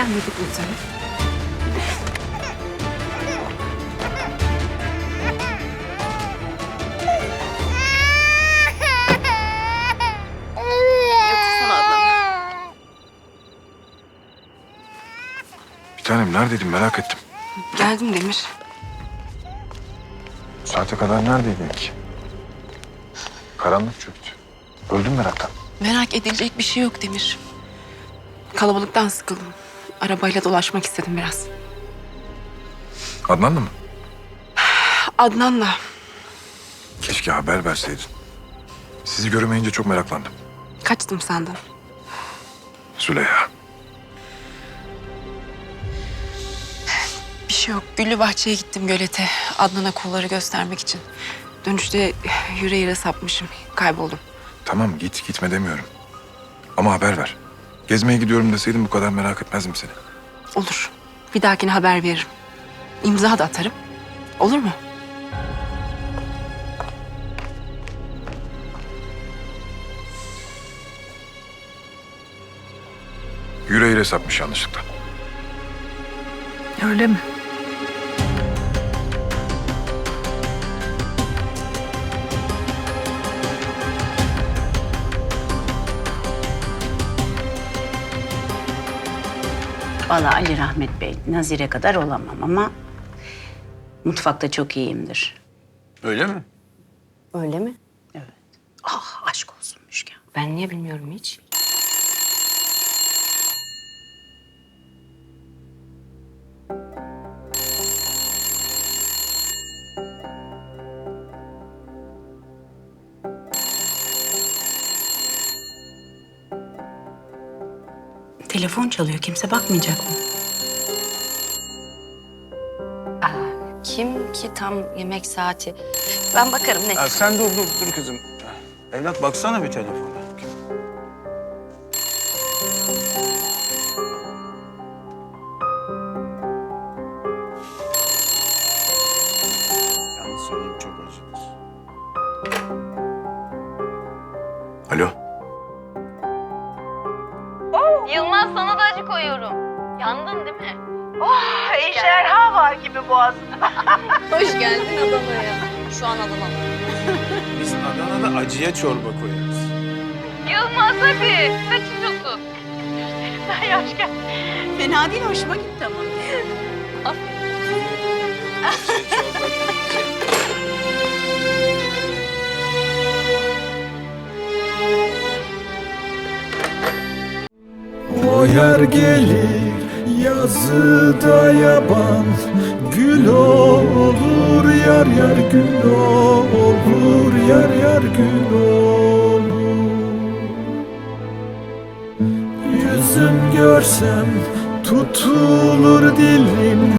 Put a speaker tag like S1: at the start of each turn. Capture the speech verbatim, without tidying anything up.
S1: gelmedik mi sana? Yatırsana Adnan.
S2: Bir tanem neredeydin merak ettim.
S1: Geldim Demir.
S2: Bu saate kadar neredeydin ki? Karanlık çöktü. Öldüm meraktan.
S1: Merak edilecek bir şey yok Demir. Kalabalıktan sıkıldım. Arabayla dolaşmak istedim biraz.
S2: Adnan'la mı?
S1: Adnan'la.
S2: Keşke haber verseydin. Sizi göremeyince çok meraklandım.
S1: Kaçtım sandım.
S2: Züleyha.
S1: Bir şey yok. Güllü Bahçe'ye gittim gölete. Adnan'a kolları göstermek için. Dönüşte yüreğine sapmışım. Kayboldum.
S2: Tamam git gitme demiyorum. Ama haber ver. Gezmeye gidiyorum deseydin bu kadar merak etmezdim seni.
S1: Olur. Bir dahakine haber veririm. İmza da atarım. Olur mu?
S2: Yüreğiyle sapmış yanlışlıkla.
S1: Öyle mi?
S3: Vallahi Ali Rahmet Bey, Nazire kadar olamam ama mutfakta çok iyiyimdir.
S4: Öyle mi?
S1: Öyle mi?
S3: Evet. Ah aşk olsun Müşken.
S1: Ben niye bilmiyorum hiç?
S3: Telefon çalıyor, kimse bakmayacak mı?
S5: Kim ki tam yemek saati? Ben bakarım ne?
S4: Ya sen dur dur dur kızım. Evlat baksana bir telefona. Yalnız söyleyeyim çok acıdır.
S2: Alo.
S5: Yılmaz sana da acı koyuyorum. Yandın değil mi?
S6: Ejderha var gibi boğazında.
S5: Hoş geldin Adana'ya. Şu an Adana'da.
S4: Biz Adana'da acıya çorba koyarız.
S5: Yılmaz hadi. Kaçıyorsun.
S6: Sen yaş gel.
S3: Fena değil, hoşuma gitti ama.
S7: O yer gelir yazıda yaban, gül olur yar yar gül olur yar yar gül olur. Yüzüm görsem tutulur dilim.